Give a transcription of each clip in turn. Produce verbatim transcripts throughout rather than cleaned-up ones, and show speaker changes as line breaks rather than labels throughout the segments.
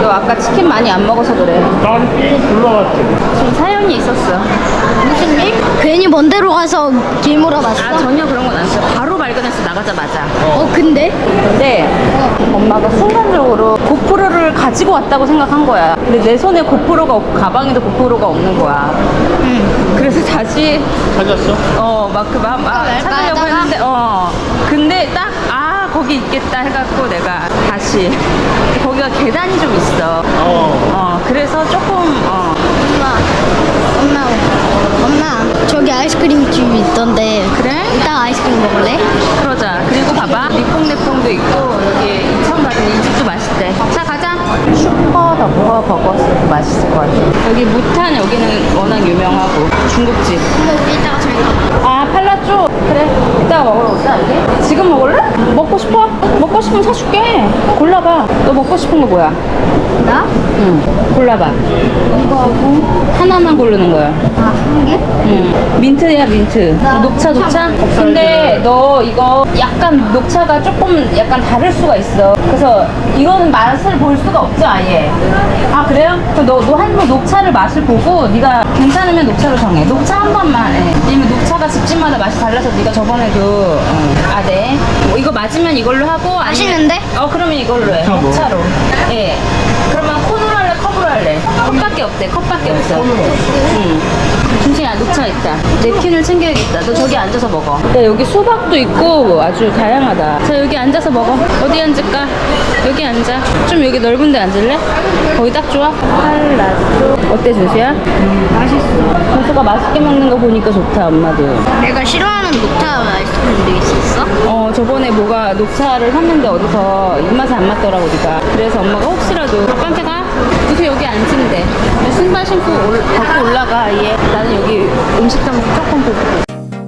너 아까 치킨 많이 안 먹어서 그래.
난 삥 굴러갔지.
좀 사연이 있었어.
무슨 일? 괜히 먼 데로 가서 길 물어봤어?
아, 전혀 그런 건 아니었어. 바로 발견했어, 나가자마자.
어 근데?
근데 엄마가 순간적으로 고프로를 가지고 왔다고 생각한 거야. 근데 내 손에 고프로가 없고 가방에도 고프로가 없는 거야.
응.
그래서 다시
찾았어?
어 막 그 막 막
왜
찾으려고
가다가?
했는데 어 근데 딱 아 거기 있겠다 해갖고 내가 다시 거기가 계단이 좀 있어.
어.
어 그래서 조금 어
엄마 엄마 엄마 저기 아이스크림집 있던데
그래?
이따 아이스크림 먹을래?
그러자. 그리고 봐봐 니뽕내뽕도 있고 여기 인천가든 이 집도 맛있대. 자 가자. 슈퍼 더버 버거스도 맛있을 것 같아. 여기 무탄 여기는 워낙 유명하고 중국집.
근데 우리 이따가 저기 가봐.
아 팔라쪼 그래 이따가 먹으러 오자 여기. 지금 먹을래? 먹고 싶어? 먹고 싶으면 사줄게. 골라봐. 너 먹고 싶은 거 뭐야?
나?
응 골라봐.
이거 하고
하나만 고르는 거야.
아한 개?
응 민트야 민트.
나
녹차 녹차? 근데 너 이거 약간 녹차가 조금 약간 다를 수가 있어. 그래서 이거는 맛을 볼 수가 없죠 아예. 아 그래요? 그럼 너, 너 한 번 녹차를 맛을 보고 네가 괜찮으면 녹차로 정해. 녹차 한 번만 해. 왜냐면 녹차가 집집마다 맛이 달라서 네가 저번에도 어. 아 네. 뭐 이거 맞으면 이걸로 하고 아니면-
맛있는데?
어 그러면 이걸로 해.
녹차 뭐?
녹차로. 예. 그러면 콘으로 할래 컵으로 할래? 컵밖에 없대. 컵밖에 없어. 응. 준식아 녹차 있다. 냅킨을 챙겨야겠다. 너 저기 앉아서 먹어. 야 여기 수박도 있고 아주 다양하다. 자 여기 앉아서 먹어. 어디 앉을까? 여기 앉아. 좀 여기 넓은 데 앉을래? 거기 딱 좋아? 팔라쪼. 어때 준수야?
맛있어.
준수가 맛있게 먹는 거 보니까 좋다 엄마도.
내가 싫어하는 녹차 아이스크림도 있었어?
어 저번에 뭐가 녹차를 샀는데 어디서 입맛에 안 맞더라고 니가. 그래서 엄마가 혹시라도 아빠한테 가? 준수 여기 앉으면 신발 신고 올, 벗고 올라가 얘. 나는 여기 음식점 조금 보고.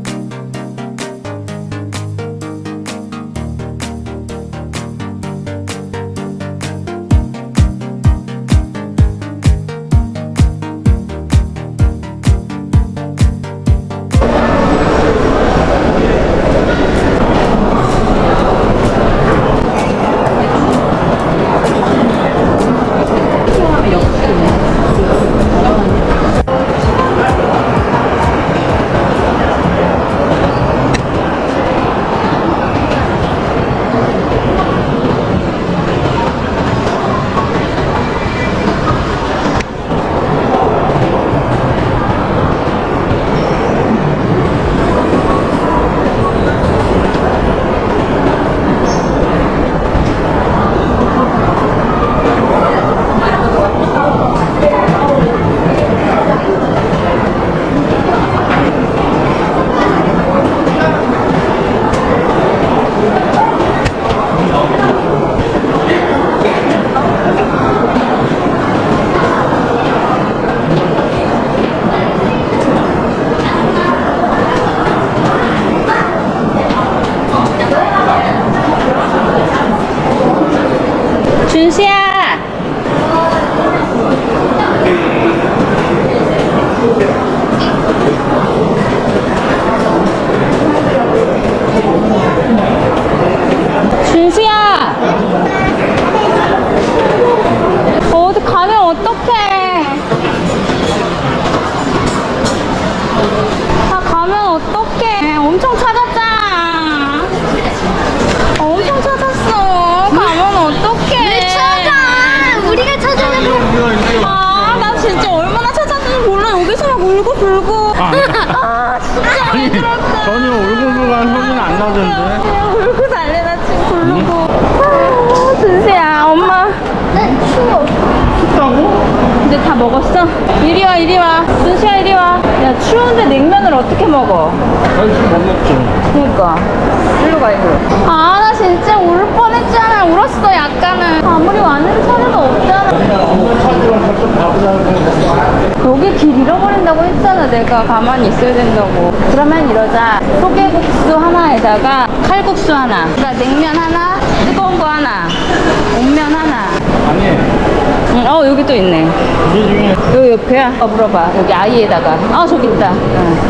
준수야. 준수야. 어디 가면 어떡해. 다 가면 어떡해. 엄청 찾았잖아. 엄청 찾았어. 가면 어떡해.
왜 찾아? 우리가 찾아내고.
아, 나 진짜 얼마나 찾았는지 몰라. 여기서 막 울고 불고.
아,
아, 진짜 왜 그럴까?
전혀 울고불고한 소리는 안 나던데.
그냥 울고 달래나 지금 부르고. 아, 준수야, 엄마.
난 추워.
춥다고?
이제 다 먹었어? 이리 와, 이리 와. 준수야, 이리 와. 야, 추운데 냉면을 어떻게 먹어?
아니 지금 못 먹지.
그니까. 일로 가, 일로. 아, 나 진짜 울 뻔했잖아. 울었어, 약간은. 아무리 왔는데 차례가 없잖아.
차지랑 벌써 가보자고.
여기 길 잃어버린다고 했잖아. 내가 가만히 있어야 된다고. 그러면 이러자. 소개국수 하나에다가 칼국수 하나. 그러니까 냉면 하나, 뜨거운 거 하나, 온면 하나.
아니
응, 어 여기 또 있네.
이 중에
여기 옆에야. 어 물어봐. 여기 아이에다가. 아 저기 있다. 응.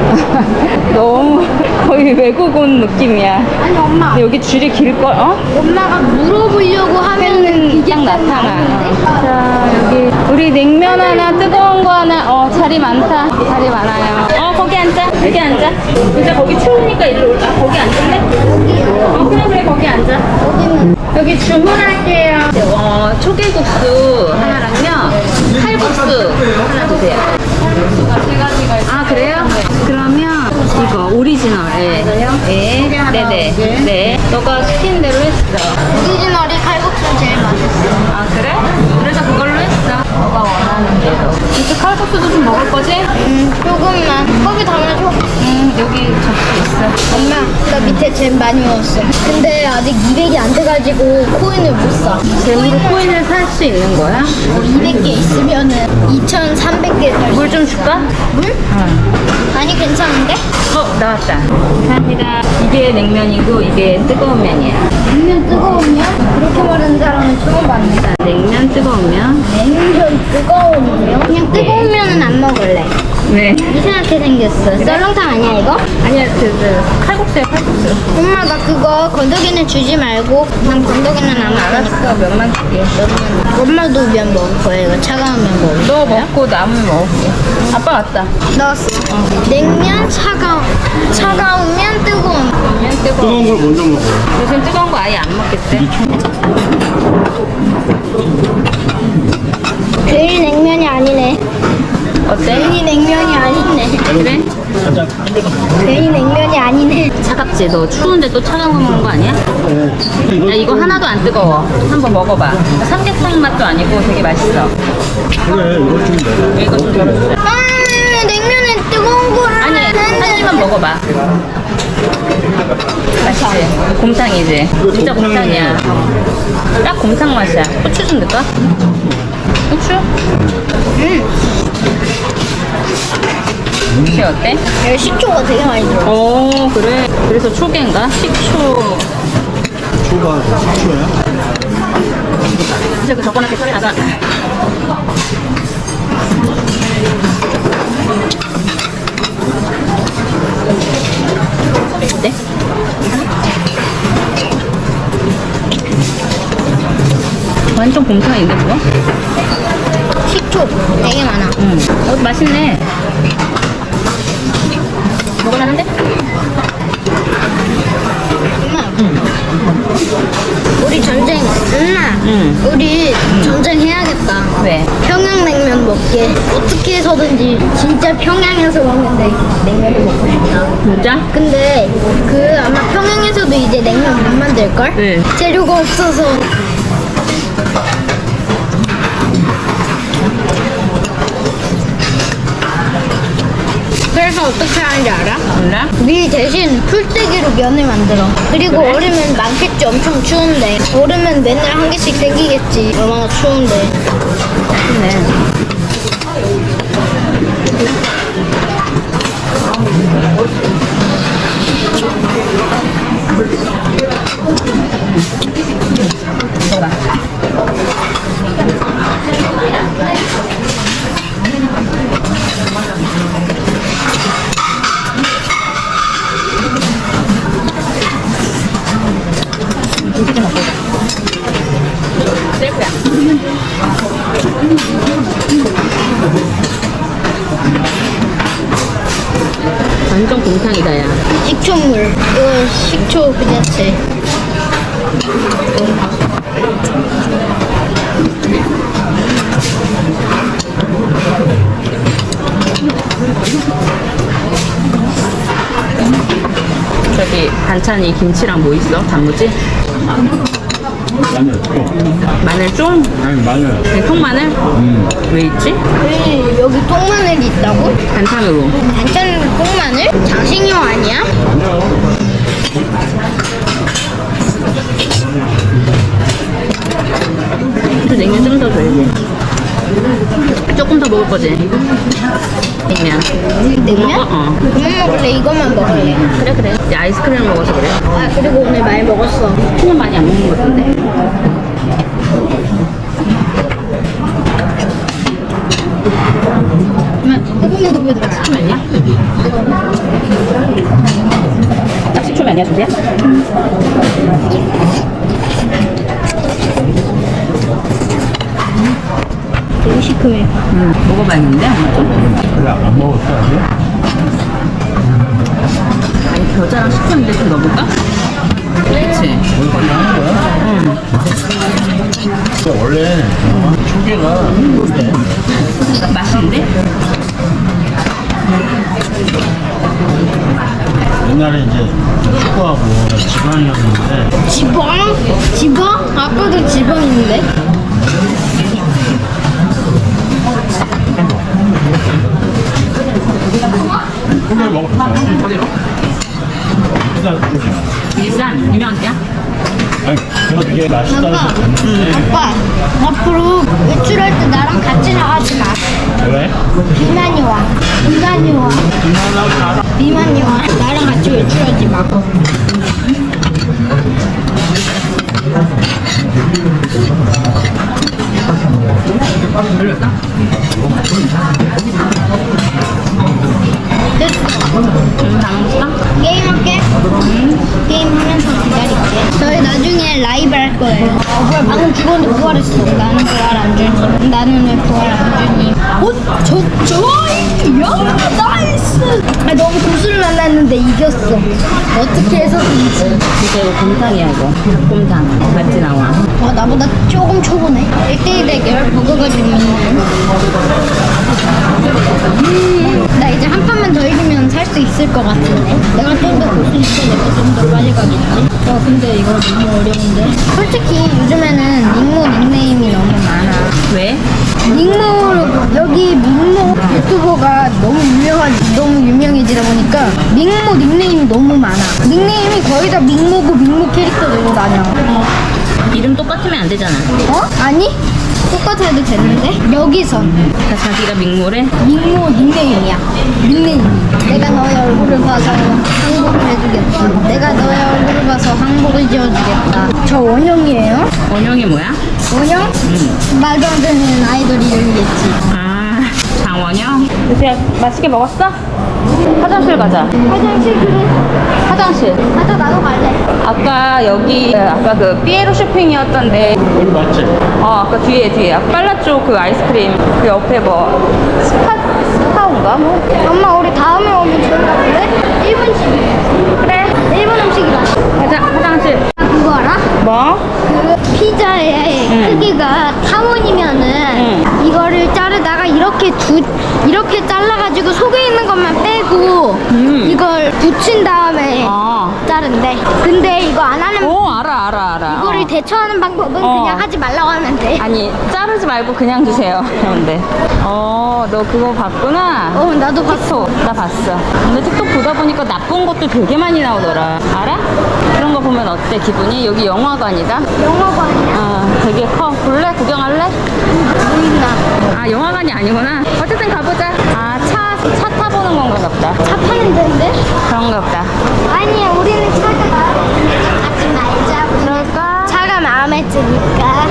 너무 거의 외국 온 느낌이야.
아니 엄마.
근데 여기 줄이 길걸? 어?
엄마가 물어보려고 하면은 이게
딱 나타나. 자, 여기 우리 냉면 하나, 뜨거운 거 하나. 어, 자리 많다. 자리 많아요. 어, 거기 앉자. 여기 앉아. 이제 거기 추우니까 일로 올라. 아, 거기 앉을래? 어, 그래, 그래, 거기 앉아. 여기 주문할게요. 어, 초계국수 하나랑요. 칼국수 하나 주세요. 아, 그래요? 그러면 이거 오리지널. 예. 네. 네네. 네. 너가 시킨 대로 했어.
오리지널이 칼국수 제일 맛있어.
아 그래? 그래서 그걸로 했어. 너가 원하는 대로. 이제 칼국수도 좀 먹을 거지?
음, 조금만. 거기 담아줘.
응 여기 접시 있어.
엄마, 나 밑에 잼 많이 먹었어. 근데 아직 이백이 안 돼가지고 코인을 못 사.
잼으로 코인을 살 수 있는 거야?
어, 이백 개 있으면은 이천삼백 개 살 수.
물 좀 줄까?
물?
응.
아니 괜찮은데?
어 나왔다. 감사합니다. 이게 냉면이고 이게 뜨거운 면이야.
냉면 뜨거우면? 그렇게 말하는 사람은 처음 봤네.
자, 냉면 뜨거운 면.
냉면 뜨거우면? 그냥 뜨거운 면은 안 먹을래.
왜?
이상하게 생겼어. 썰렁탕 아니야 이거?
아니야 그, 그 칼국수야 칼국수.
엄마 나 그거 건더기는 주지 말고 난 건더기는 안 먹으니까.
알았어 면만 줄게.
엄마도 면 먹을 거야 이거 차가운 면 먹을 거야.
너 먹고 남은 먹을게. 아빠 왔다.
넣었어. 냉면 차가운 차가운 면 뜨거운 면.
면 뜨거워.
뜨거운 걸 먼저 먹어.
요즘 뜨거운 거 아예 안 먹겠대.
괜히 냉면이 아니네.
어때?
괜히 냉면이 아니네.
그래?
괜히 냉면이 아니네.
차갑지? 너 추운데 또 차가운 거 먹는 거 아니야? 야 이거 하나도 안 뜨거워. 한번 먹어봐. 삼계탕 맛도 아니고 되게 맛있어.
그래, 이거 좀 먹어.
이거 좀 맛있어.
아, 냉면에 뜨거운 거를
아니 한 입만 먹어봐. 맛있지? 곰탕이지? 진짜 곰탕이야. 딱 곰탕 맛이야. 후추 좀 넣을까? 후추? 혹시 어때?
여기 식초가 되게 많이 들어.
오 그래. 그래서 초계인가? 식초.
초가 식초야?
이제 그 저거한테 소리 나가. 어때? 완전 곰탕인데 그거?
식초 되게 많아.
응. 어 맛있네. 먹을만한데?
엄마. 우리 전쟁. 엄마.
응.
우리 전쟁 해야겠다.
왜?
평양냉면 먹게. 어떻게 해서든지 진짜 평양에서 먹는 데- 냉면을 먹고 싶다.
진짜?
근데 그 아마 평양에서도 이제 냉면 못 만들걸?
네.
재료가 없어서. 그래서 어떻게 하는지 알아?
몰라?
밀 대신 풀떼기로 면을 만들어. 그리고 얼으면 많겠지. 엄청 추운데. 얼으면 맨날 한 개씩 생기겠지. 얼마나 추운데.
맛있네. 먹어봐. 음식이 먹고 셀프야. 완전 곰탕이다 야.
식초물. 이거 식초 그 자체.
저기 반찬이 김치랑 뭐 있어? 단무지?
마늘, 또.
마늘 쫑?
아니, 마늘.
그냥 통마늘?
음.
왜 있지?
여기, 여기 통마늘이 있다고?
반찬으로.
반찬 통마늘? 장식용 아니야?
또 냉면 좀 더 줘야지. 조금 더 먹을 거지? 냉면.
냉면?
어, 어.
그만 먹을래? 이것만 먹을래?
그래 그래. 이제 아이스크림을 먹어서 그래.
아 그리고 오늘 많이 먹었어.
술은 많이 안 먹는 것 같은데.
조금만 더 보여드려.
아니야? 아니야, 준비야?
되게 시큼해.
응, 먹어봐야겠는데?
그래, 안 먹었어, 아직?
아니, 겨자랑 식감인데 좀 넣어볼까? 그치?
거기까지 하는 거야?
응.
근데 원래 초계가 그래.
맛있는데?
옛날에 이제 축구하고 지방이었는데
지방? 지방? 아까도 지방 있는데?
초계 먹었어. 어디로? 일단 초계.
일산, 유명한 데야?
아니, 그거 되게 맛있다 해서
아빠,
갔는데
아빠, 앞으로 외출할 때 나랑 같이 나가지 마.
왜?
비만이 와. 비만이 와. 비만이 와. 나랑 같이 외출하지 마. 됐어.
응, 다 먹었어?
게임할게. 게임하면서 기다릴게. 저희 나중에 라이브 할 거예요. 어, 뭐야, 방금 죽었는데 부활했어. 나는 부활 안 주니. 나는 왜 부활 안 주니? 어? 저, 좋아요! 나이스! 아, 너무 고수를 만났는데 이겼어. 어떻게 해서든지.
진짜 이거 곰탕이야, 이거. 닭곰탕. 맛지 나와.
와, 나보다 조금 초보네. 일 대일 대결 버거가 재밌네. 음, 나 이제 한 판만 더 이기면 살 수 있을 것 같은데. 내가 좀 더 고수니까 내가 좀 더 빨리 가겠지. 와, 근데 이거 너무 어려운데. 솔직히 요즘에는 닉모 닉네임이 너무 많아.
왜?
닉모, 여기 닉모 유튜버가 너무 유명하지, 너무 유명해지다 보니까 닉모 닉네임이 너무 많아. 닉네임이 거의 다 닉모고 닉모 캐릭터 들고 다녀.
이름 똑같으면 안 되잖아.
어? 아니? 똑같아도 되는데? 여기선
다 자기가 밍모래?
닉모 닉네임이야. 닉네임. 내가 너의 얼굴을 봐서 항복을 해주겠다. 내가 너의 얼굴을 봐서 항복을 지어주겠다. 저 원영이에요?
원영이 뭐야?
원영? 말도 안 되는 아이돌 이름이겠지.
아, 장원영? 요새 맛있게 먹었어? 화장실 가자.
화장실 그래.
화장실.
맞아, 나도 갈래.
아까 여기 아까 그 삐에로 쇼핑이었던데
여기 맞지?
어 아까 뒤에 뒤에 아까 빨라 쪽 그 아이스크림 그 옆에 뭐 스파 스파인가 뭐
엄마, 우리 다음에 오면 좋은가 본데? 일본식이에요.
그래
일본 음식이다.
가자 화장실.
그거 알아?
뭐?
그 피자의
응.
크기가 타원이면은
응.
이거를 자르다가 이렇게 두 이렇게 잘라가지고 속에 있는 것만 빼고
음.
이걸 붙인 다음에
어.
자른대. 근데 이거 안 하는
오 알아 알아 알아.
이거를
어.
대처하는 방법은
어.
그냥 하지 말라고 하면 돼.
아니 자르지 말고 그냥 주세요. 그런데 어너 그거 봤구나.
어, 나도 봤어.
틱톡 나 봤어. 근데 틱톡 보다 보니까 나쁜 것도 되게 많이 나오더라. 알아? 그런 거 보면 어때 기분이? 여기 영화관이다.
영화관이야?
어 되게 커. 볼래? 구경할래?
보인다.
아 영화관이 아니구나. 어쨌든 가보자. 아 차 차 타보는 건가 보다.
차 파는 데인데?
그런가 보다.
아니야, 우리는 차가 마음에 가지 말자.
그럴까?
차가 마음에 드니까.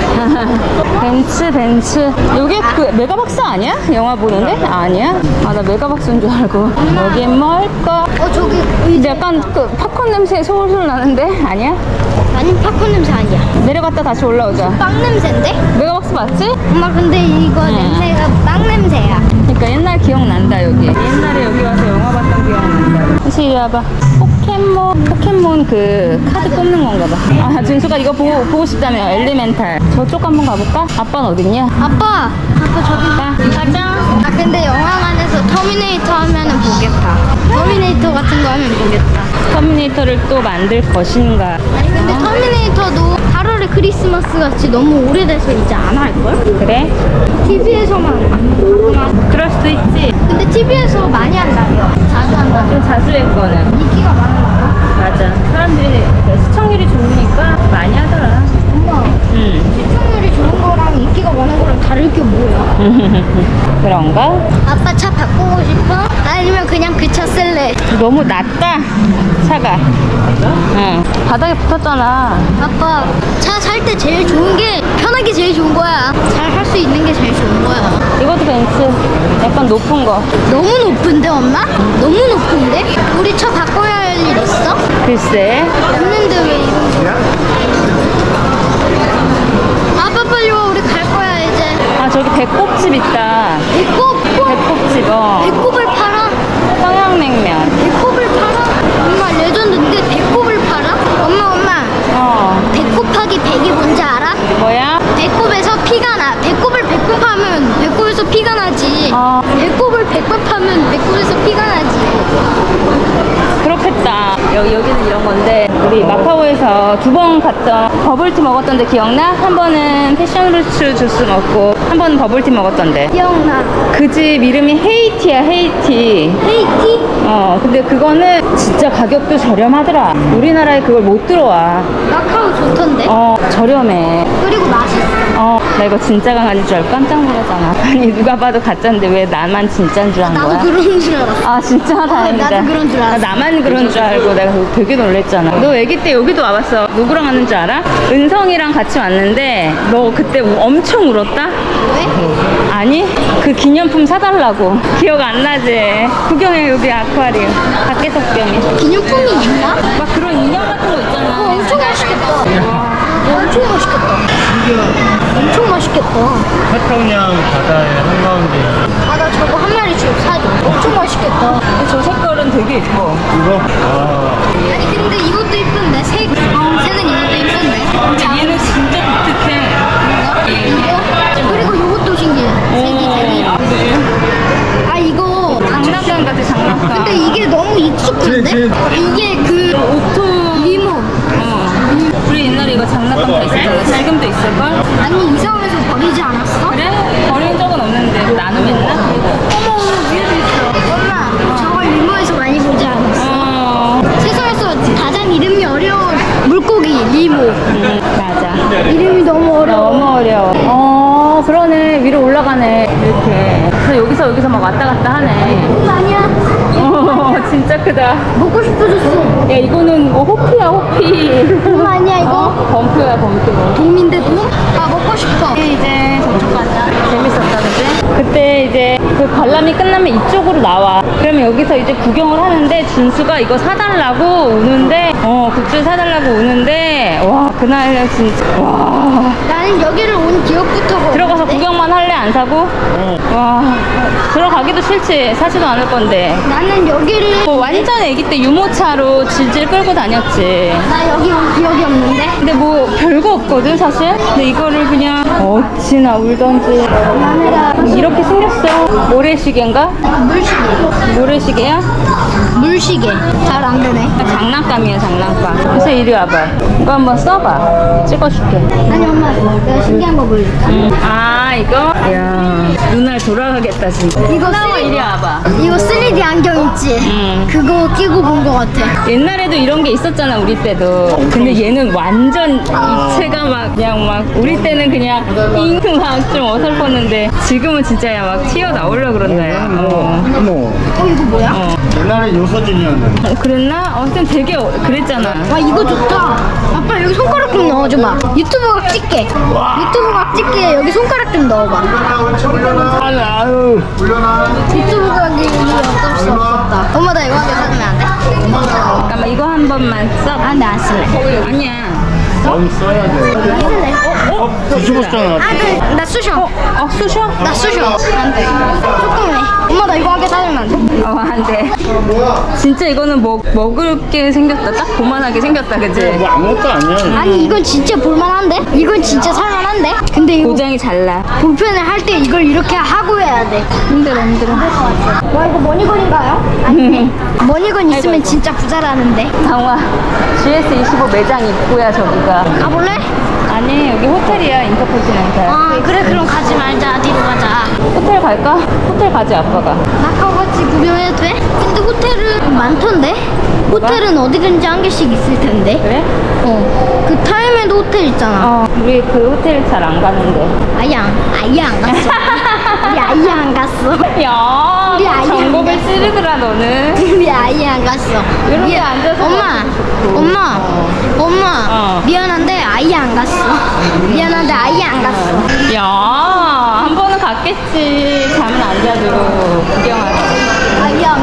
벤츠 벤츠. 여기 그 메가박스 아니야? 영화 보는데? 아니야? 아 나 메가박스인 줄 알고. 여긴 뭘까?
어, 저기
근데 약간 그 팝콘 냄새 솔솔 나는데? 아니야?
아니, 팝콘 냄새 아니야.
내려갔다 다시 올라오자.
빵 냄새인데?
메가박스 맞지?
엄마, 근데 이거
응.
냄새가 빵 냄새야.
그러니까 옛날 기억난다 여기. 옛날에 여기 와서 영화 봤던 기억난다. 다시 이리 와봐. 포켓몬 포켓몬 그 카드 뽑는 건가 봐. 아 준수가 이거 보고 보고 싶다며. 엘리멘탈. 저쪽 한번 가볼까? 아빠는 어딨냐?
아빠! 아빠 저기 봐.
가. 가자.
아, 근데 영화관에서 터미네이터 하면은 보겠다. 터미네이터 같은 거 하면 보겠다.
터미네이터를 또 만들 것인가?
아니, 근데 터미네이터도 팔월에 크리스마스 같이 너무 오래돼서 이제 안 할걸?
그래?
티비에서만 가끔만.
그럴 수도 있지.
근데 티비에서 많이 한다며. 자주 한다며.
좀 자주 했거든.
인기가 많은 거.
맞아. 사람들이 시청률이 좋으니까 많이 하더라.
엄마,
응.
시청률이 좋은 거랑 인기가 많은 거랑 다를 게 뭐야?
그런가?
아빠 차 바꾸고 싶어? 아니면 그냥 그 차 쓸래?
너무 낮다. 차가. 응. 바닥에 붙었잖아.
아빠, 차 살 때 제일 좋은 게 편하게 제일 좋은 거야. 잘 할 수 있는 게 제일 좋은 거야.
이것도 벤츠. 약간 높은 거.
너무 높은데, 엄마? 너무 높은데? 우리 차 바꿔야 할 할 일 있어?
글쎄.
없는데 왜 이런 아빠 빨리 와 우리 갈 거야 이제.
아, 저기 배꼽집 있다.
배꼽
배꼽집, 어.
배꼽을 팔아?
평양냉면.
배꼽을 팔아? 엄마 레전드인데 배꼽을 팔아? 엄마 엄마
어.
배꼽하기 백이 뭔지 알아?
뭐야?
배꼽에서 피가 나. 배꼽을 백번 하면 배꼽에서 피가 나지.
어.
배꼽을 백번 하면 배꼽에서 피가 나지.
그렇겠다. 여기, 여기는 이런 건데, 우리 마카오에서 두 번 갔던 버블티 먹었던 데 기억나? 한 번은 패션루츠 주스 먹고, 한 번은 버블티 먹었던데.
기억나.
그 집 이름이 헤이티야, 헤이티.
헤이티?
어, 근데 그거는 진짜 가격도 저렴하더라. 우리나라에 그걸 못 들어와.
마카오 좋던데?
어, 저렴해.
그리고 맛있어.
어, 나 이거 진짜 강아지인 줄 알고 깜짝 놀랐잖아. 아니, 누가 봐도 가짜인데 왜 나만 진짜인 줄 안
나도
거야?
그런 줄 알았어.
아, 진짜 다행이다.
나도 그런 줄 알았어.
나 나만 그런 줄 알고 내가 되게 놀랬잖아. 너 애기 때 여기도 와봤어. 누구랑 왔는 줄 알아? 은성이랑 같이 왔는데 너 그때 엄청 울었다?
왜?
아니, 그 기념품 사달라고. 기억 안 나지? 구경해, 여기 아쿠아리움. 밖에 석병이.
기념품이 있나?
막 그런 인형 같은 거 있잖아.
어, 엄청 맛있겠다. 엄청 맛있겠다. 엄청 맛있겠다.
태평양 바다의 한가운데
아, 나 저거 한 마리 좀 사줘. 엄청 맛있겠다.
저 색깔은 되게 예뻐.
이거? 아,
아니, 근데 이것도 이쁜데? 색, 어, 색은 이것도 이쁜데?
근데 얘는 진짜 독특해.
이거? 그리고 이것도 신기해. 색이 되게 이쁘. 아, 이거.
장난감 같아, 장난감.
근데 이게 너무 익숙한데? 이게 그
오토.
리모.
어. 우리 옛날에 이거 장난감 다 있었잖아. 지금도 있을걸?
아니, 이사하면서 버리지 않았어?
그래? 버린 적은 없는데 나눔했나?
어머, 위에도 있어. 엄마, 저걸 리모에서 많이 보지 않았어?
어.
세상에서 가장 이름이 어려운 물고기, 리모.
음, 맞아.
이름이 너무 어려워.
너무 어려워. 어, 그러네. 위로 올라가네. 이렇게. 그래서 여기서 여기서 막 왔다 갔다 하네.
이거 아니야?
어, 진짜 크다.
먹고 싶어졌어.
야, 이거는 뭐 호피야, 호피.
이거 아니야, 이거?
어, 범표야, 범표.
돔인데 돔? 아, 먹고 싶어.
이제 저쪽 가자. 재밌었다, 그지? 그때 이제 그 관람이 끝나면 이쪽으로 나와. 그러면 여기서 이제 구경을 하는데 준수가 이거 사달라고 우는데, 어, 굿즈 사달라고 우는데, 와, 그날 진짜, 와.
나는 여기를 온 기억부터가
들어가서
없는데?
구경만 할래, 안 사고? 와, 들어가기도 싫지. 사지도 않을 건데.
나는 여기를
뭐 완전 애기 때 유모차로 질질 끌고 다녔지.
나 여기 온 기억이 없는데?
근데 뭐 별거 없거든 사실. 근데 이거를 그냥 어찌나 울던지.
마늘아
이렇게 생겼어. 모래시계인가?
물시계
모래시계야?
물시계 잘 안 되네.
장난감이야 장난감. 그래서 이리 와봐. 이거 한번 써봐. 찍어줄게.
아니 엄마 내가 신기한 거 보여줄까?
음. 아 이거? 이야 눈알 돌아가겠다 진짜.
이거
나와
쓰리-
이리 와봐.
이거 쓰리디 안경 있지?
음.
그거 끼고 본 거 같아.
옛날에도 이런 게 있었잖아 우리 때도. 근데 얘는 완전 입체가 막 그냥 막 우리 때는 그냥 잉 막 좀 어설펐는데 지금은 진짜 야 막 튀어나오려 그런다 야. 어.
어머.
어 이거 뭐야?
어.
옛날에 요서진이었는데.
어, 그랬나? 어, 하여튼 되게 어- 그랬잖아.
와 이거 좋다. 아빠 여기 손가락 좀 넣어줘봐. 유튜브 각 찍게. 유튜브 각 찍게 여기 손가락 좀 넣어봐.
아니, 아유.
유튜브 각이 어쩔 수 없었다. 엄마 나 이거 한 개 사주면 안 돼?
잠깐만 이거 한 번만 써.
아, 근데 안 쓸래.
아니야.
넌 써야 돼.
쓸래.
어? 뒤집었잖아.
아, 그, 나 쑤셔.
어 쑤셔?
나 쑤셔. 안 돼. 조금해. 엄마 나 이거 한 개 사주면 안 돼?
어 안 돼. 진짜 이거는 먹 먹을 게 생겼다. 딱 고만하게 생겼다, 그지?
뭐 아무것도 아니야.
아니 이건 진짜 볼만한데? 이건 진짜 살만한데? 근데 이거
고장이 잘 나.
볼펜을 할 때 이걸 이렇게 하고 해야 돼. 힘들어 힘들어. 와 이거 머니건인가요? 아니 머니건 있으면 진짜 부자라는데.
강화 지에스 이십오 매장 입구야 저기가.
가볼래?
아니 여기 호텔이야 인터컨티넨탈.
아 그래 그럼 가지 말자. 뒤로 가자.
호텔 갈까? 호텔 가지 아빠가.
마카오 같이 구경해도 돼? 근데 호텔은 많던데? 호텔은 어디든지 한 개씩 있을 텐데.
그래?
어. 그 타임에도 호텔 있잖아.
어 우리 그 호텔 잘 안 가는데.
아예 안, 아예 안 갔어. 우리 아예 안 갔어.
야
우리 아이
정보를
안 갔어.
찌르더라 너는.
우리 아예 안 갔어.
이렇게
미안.
앉아서
엄마,
먹고.
엄마, 엄마.
어.
미안한데 아예 안 갔어. 미안한데 아예 안 갔어.
야 한 번은 갔겠지. 잠은 안 자도 구경하러.
아예 안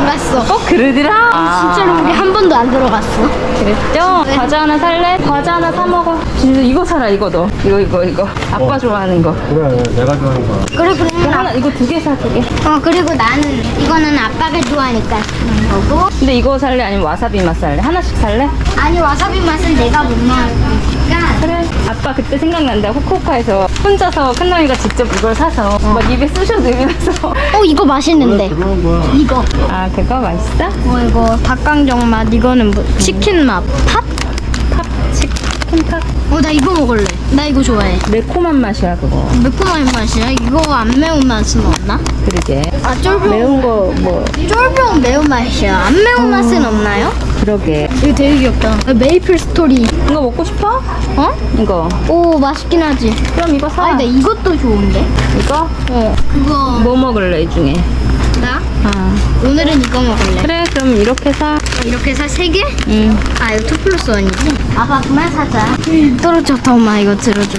안 갔어.
어 그러더라.
진짜로 우리 한 번도 안 들어갔어.
그랬죠?
네.
과자 하나 살래? 과자 하나 사 먹어. 진짜 이거 사라 이거 너. 이거 이거 이거. 아빠 좋아하는 거.
그래, 내가 좋아하는 거야.
그래
이거
그러면
하나 이거 두 개 사 두 개.
어 그리고 나는 이거는 아빠가 좋아하니까 쓰는 거고.
근데 이거 살래 아니면 와사비 맛 살래? 하나씩 살래?
아니 와사비 맛은 내가 못 먹으니까.
그래. 아빠 그때 생각난다. 후쿠오카에서 혼자서 큰남이가 직접 이걸 사서 막 입에 쑤셔 넣으면서.
어 이거 맛있는데.
그런 거야.
이거.
아 그거 맛있어?
어 이거 닭강정 맛. 이거는 뭐 치킨 맛. 팥?
팝 치킨팝.
어 나 이거 먹을래. 나 이거 좋아해.
매콤한 맛이야 그거.
매콤한 맛이야. 이거 안 매운 맛은 없나?
그러게.
아 쫄병.
매운 거 뭐
쫄병 매운 맛이야. 안 매운 맛은 없나요?
그러게.
이거 되게 귀엽다. 아, 메이플 스토리.
이거 먹고 싶어?
어?
이거.
오 맛있긴 하지.
그럼 이거 사.
아 근데 이것도 좋은데?
이거?
어. 그거
뭐 먹을래 이 중에?
나?
아
오늘은 이거 먹을래.
그래 그럼 이렇게 사.
이렇게 사 세 개?
응.
아 이거 투 플러스 원이지? 아빠 그만 사자. 떨어졌다 엄마 이거 들어줘.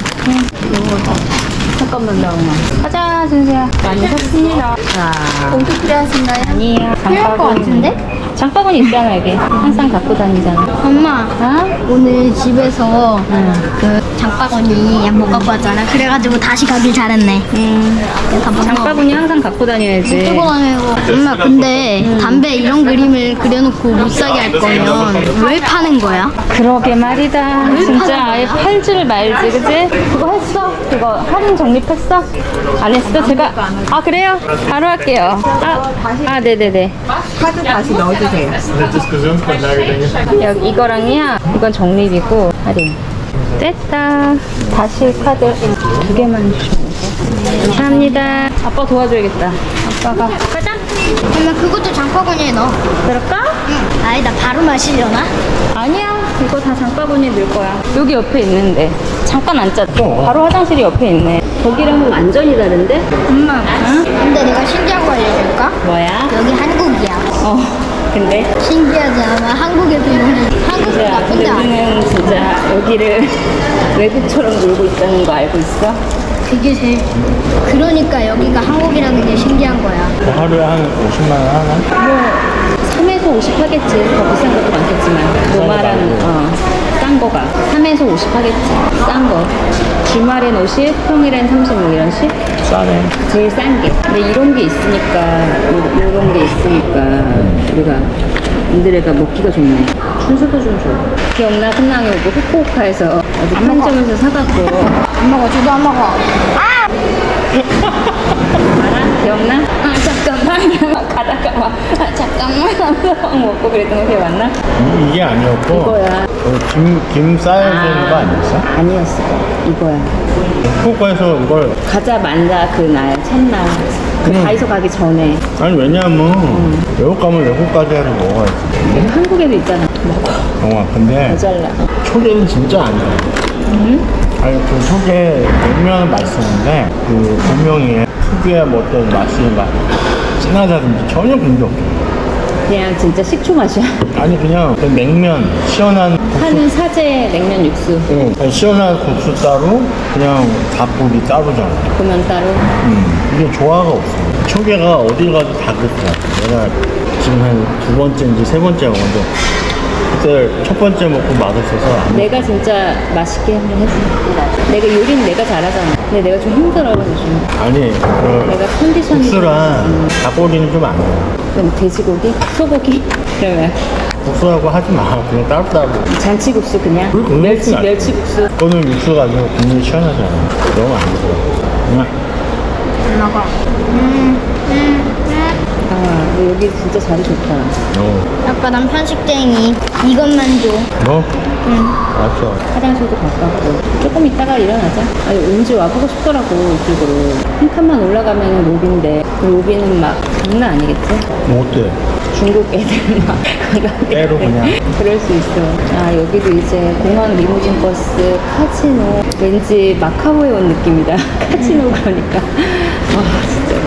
잠깐만 나 엄마. 가자 준수야. 많이 샀습니다. 자.
봉투 필요하신가요?
아니에요.
필요할 것 같은데?
장바구니 있잖아 여기. 항상 갖고 다니잖아.
엄마
어?
오늘 집에서
응.
그 장바구니 못 갖고 왔잖아. 그래가지고 다시 가길 잘했네.
음.
다 먹어.
장바구니 항상 갖고 다녀야지.
뜨고 다니고. 엄마 근데 담배 이런 그림을 그려놓고 못 사게 할 거면 왜 파는 거야?
그러게 말이다. 진짜 아예 팔지를 말지, 그지? 그거 했어? 그거 할인 적립했어? 안 했어? 제가 아 그래요? 바로 할게요. 아, 아 네네네.
카드 다시 넣어주세요.
여기 이거랑이야. 이건 적립이고 할인. 됐다. 다시 카드 두 개만 주시면 돼. 감사합니다. 아빠 도와줘야겠다. 아빠가 가자.
엄마 그것도 장바구니에 넣어.
그럴까?
응. 아니다 바로 마시려나?
아니야. 이거 다 장바구니에 넣을 거야. 여기 옆에 있는데. 잠깐 앉자.
어.
바로 화장실이 옆에 있네. 거기랑은 완전히 다른데?
엄마
응?
근데 내가 신기한 거 알려줄까?
뭐야?
여기 한국이야.
어. 근데?
신기하지 않아? 한국에서 이런 한국은
진짜
나쁜데 안
우리는 진짜 여기를 외국처럼 놀고 있다는 거 알고 있어?
그게 제일 그러니까 여기가 한국이라는 게 신기한 거야.
뭐 하루에 한 오십만 원 하나?
뭐 삼에서 오십 하겠지. 더 비싼 것도 많겠지만 노말한 어, 싼 거가 삼에서 오십 하겠지. 싼 거. 주말엔 오십, 평일엔 삼십오 이런 식?
싸네.
제일 싼 게. 근데 이런 게 있으니까 요, 요런 게 있으니까 우리가 인드레가 먹기가 좋네. 순수도 좀 줘. 기억나? 끝나게 오고 후쿠오카에서 어디 편의점에서 사갖고
안 먹어, 저도 안 먹어.
알아? 기억나? 아 잠깐만 가다가 막 아, 잠깐만 하면서 먹고 그랬던 거 기억 안 나?
이- 이게 아니었고.
이거야.
어, 김, 김 싸야 되는 거 아니었어?
아니었어. 이거야.
후쿠오카에서 이걸.
가자 만자 그날 첫날 그
음.
다이소 가기 전에
아니, 왜냐면, 외국 가면 외국까지 해서 먹어야지.
여기 한국에도 있잖아. 먹어.
어, 근데
모자라.
초계는 진짜 아니야. 아니, 그 초계 냉면은 맛있었는데, 그 분명히 특유의 뭐 어떤 맛이 막 진하다든지 전혀 그런 게 없어.
그냥 진짜 식초 맛이야.
아니, 그냥 그 냉면, 시원한 국수.
하는 사제 냉면 육수.
응, 아니, 시원한 국수 따로, 그냥 닭고기 따로잖아.
고명 따로.
음, 이게 조화가 없어. 초계가 어딜 가도 다 그렇더라. 내가 지금 한 두 번째인지 세 번째 먹었는데, 그때 첫 번째 먹고 맛없어서 안
내가 진짜 맛있게 한번 했어. 내가 요리는 내가 잘하잖아. 근데 내가 좀 힘들어 요즘.
아니, 그
내가 컨디션이
국수랑 닭고기는 좀 안 돼.
그럼 돼지고기? 소고기? 그러면
국수하고 하지 마. 그냥 따로따로.
잔치국수 그냥?
우리 국물
멸치
국수
멸치국수.
그거는 육수가 아니고 국물이 시원하잖아. 너무 안 좋아. 그냥
안 먹어. 음, 음, 음.
아 너 여기 진짜 자리 좋다.
어.
아빠 난 편식쟁이. 이것만 줘.
너?
응.
알았어.
화장실도 가깝고 조금 있다가 일어나자. 아니 왠지 와보고 싶더라고 이쪽으로. 한 칸만 올라가면 로비인데 그 로비는 막 장난 아니겠지?
뭐 어때?
중국 애들 막
때로 그냥.
그럴 수 있어. 아 여기도 이제 공항 리무진 버스 카지노 왠지 마카오에 온 느낌이다. 카지노 그러니까 와 진짜 그 카지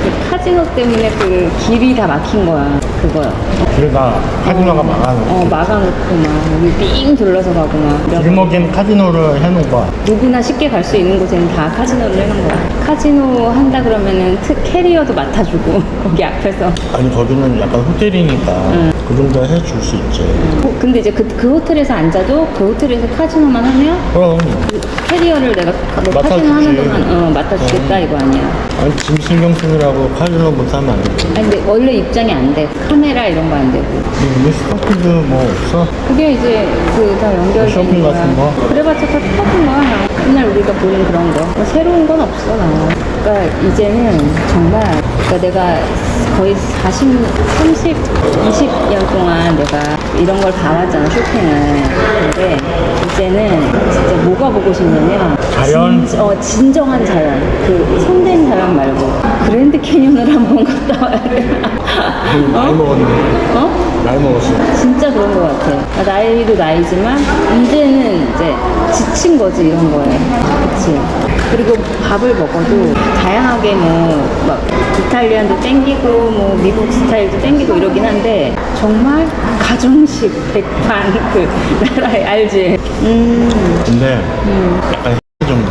카지노 때문에 그 길이 다 막힌 거야. 그거요.
그래가 카지노가 막아놓고
어, 막아놓고 막 여기 삥 둘러서 가고 막. 이러고.
길목엔 카지노를 해놓은 거야.
누구나 쉽게 갈 수 있는 곳에는 다 카지노를 해놓은 거야. 카지노 한다 그러면은 트, 캐리어도 맡아주고 거기 앞에서.
아니 거기는 약간 호텔이니까 그 정도 해줄 수 있지.
어, 근데 이제 그, 그 호텔에서 앉아도 그 호텔에서 카지노만 하면
그럼
그 캐리어를 내가 너
맡아주지.
카지노 하는 동안 어, 맡아주겠다 이거 아니야.
아니 짐 신경 쓰느라고 카지노 못하면 안 되지.
아니 근데 원래 입장이 안 돼. 카메라 이런 거 안 되고.
우리 스타필드 뭐 없어?
그게 이제 그 다 연결되는
쇼핑
거야.
같은 거?
그래봤자 다 똑같은 거야. 맨날 우리가 보는 그런 거. 뭐 새로운 건 없어 나. 그러니까 이제는 정말 그러니까 내가 거의 사십, 삼십, 이십 년 동안 내가 이런 걸 봐왔잖아 쇼핑을. 근데 이제는 진짜 뭐가 보고 싶냐면
자연?
진, 어, 진정한 자연. 그 손댄 자연 말고 그랜드 캐니언을 한번 갔다 와야 돼.
나이 먹었네.
어?
나이 먹었어.
진짜 그런 것 같아. 나이도 나이지만 이제는 이제 지친 거지 이런 거에. 그치? 그리고 밥을 먹어도 다양하게 뭐 막 이탈리안도 땡기고 뭐 미국 스타일도 땡기고 이러긴 한데 정말 가정식 백반 그 나라에 알지? 음,
근데 약간 정도.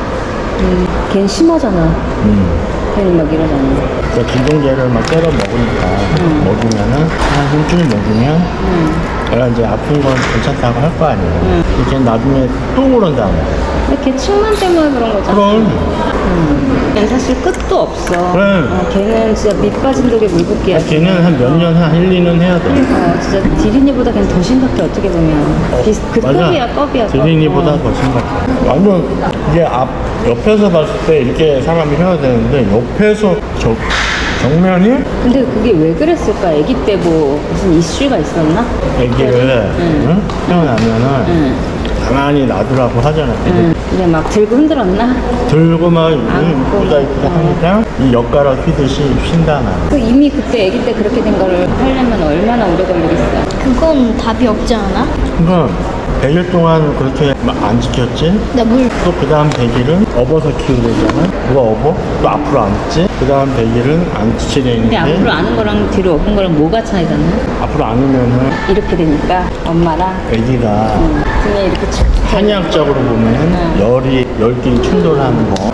음, 걘 심하잖아.
음.
괜히 막 이러잖아.
그러니까 진통제를 막 때려 먹으니까 먹으면은 한 일주일 먹으면 내가 이제 아픈 건 괜찮다고 할 거 아니에요. 이렇게 나중에 또 그런다.
근데 걔 층만 때문에 그런 거잖아.
그럼
걔는 사실 끝도 없어.
그래.
어, 걔는 진짜 밑 빠진 독에 물 붓기야.
걔는 한 몇 년, 한 일, 이 년 해야 돼.
어, 진짜 디리니보다 걔는 더 심각해 어떻게 보면. 비슷, 그 급이야 급이야. 급.
디즈니보다
어.
더 심각해. 완전 이게 앞 옆에서 봤을 때 이렇게 사람이 해야 되는데 옆에서 저 정면이
근데 그게 왜 그랬을까? 아기 때 뭐 무슨 이슈가 있었나?
아기를
응.
응? 태어나면은
응.
가만히 놔두라고 하잖아.
응. 근데 막 들고 흔들었나?
들고 막
안고.
이쁘다 이쁘다 하니까 이 엿가락 휘듯이 쉰다 나.
그 이미 그때 아기 때 그렇게 된 거를 하려면 얼마나 오래 걸리겠어.
그건 답이 없지 않아?
그러니까 백 일 동안 그렇게 막 안 지켰지?
나 물.
또 그 다음 백 일은 업어서 키우려잖아. 누가 업어? 또 앞으로 안지? 그 다음 백 일은 안
근데
지치려는데
앞으로 아는 거랑 뒤로 엎은 거랑 뭐가 차이가 나?
앞으로 안으면은
이렇게 되니까 엄마랑
아기가
응. 등에 이렇게 쭉
한의학적으로 보면은
응.
열이 열끼리 충돌하는 거.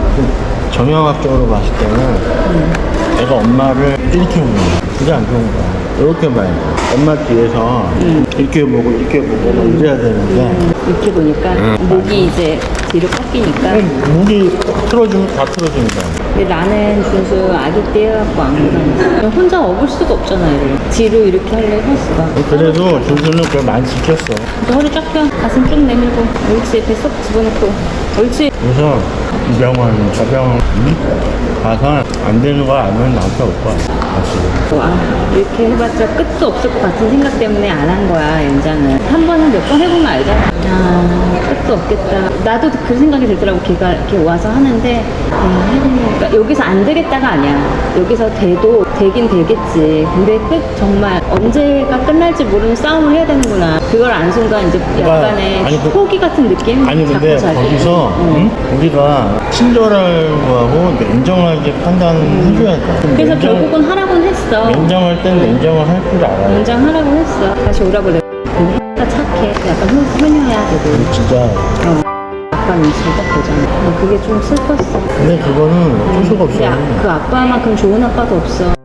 정형학적으로 봤을 때는 애가 엄마를 이렇게 보는 거야. 그게 안 좋은 거야. 이렇게 봐야 돼. 엄마 뒤에서 이렇게 보고 이렇게 보고 막 이래야 되는데
이렇게 보니까 목이 이제 뒤로 꺾이니까.
목이 틀어주면 다 틀어주는 거야.
근데 나는 준수 아기 때 해갖고 안 그러니까 혼자 업을 수가 없잖아 얘를. 뒤로 이렇게 할래 헬스가.
그래도 준수는 그걸 많이 지켰어.
그래서 허리 쫙 펴 가슴 쭉 내밀고 옳지 배 쏙 집어넣고 옳지.
그래서 이 병원, 저 병원 가서 안 되는 거 알면 나한테 올 거야. 다시.
와 이렇게 해봤자 끝도 없을 것 같은 생각 때문에 안 한 거야 연장을. 한 번은 몇 번 해보면 알잖아. 아 끝도 없겠다. 나도 그 생각이 들더라고. 걔가 이렇게 와서 하는데 아, 해보니까 여기서 안 되겠다가 아니야. 여기서 돼도 되긴 되겠지. 근데 끝 정말 언제가 끝날지 모르는 싸움을 해야 되는구나. 그걸 안 순간 이제 약간의
아니, 그-
포기 같은 느낌?
아니 근데
자꾸 자기.
거기서
응.
응? 우리가 친절하고 하고 냉정하게 판단해줘야 돼.
그래서
냉정-
결국은 하라고는 했어.
냉정할 땐 냉정을 할 줄 알아요.
연장하라고 했어. 다시 오라고 내가. 가 착해. 약간 효, 효녀야 되고.
진짜.
어. 아빠 눈치를 딱 보잖아. 근데 그게 좀 슬펐어.
근데 그거는 어쩔 수가
근데
없어요.
아- 그 아빠만큼 좋은 아빠도 없어.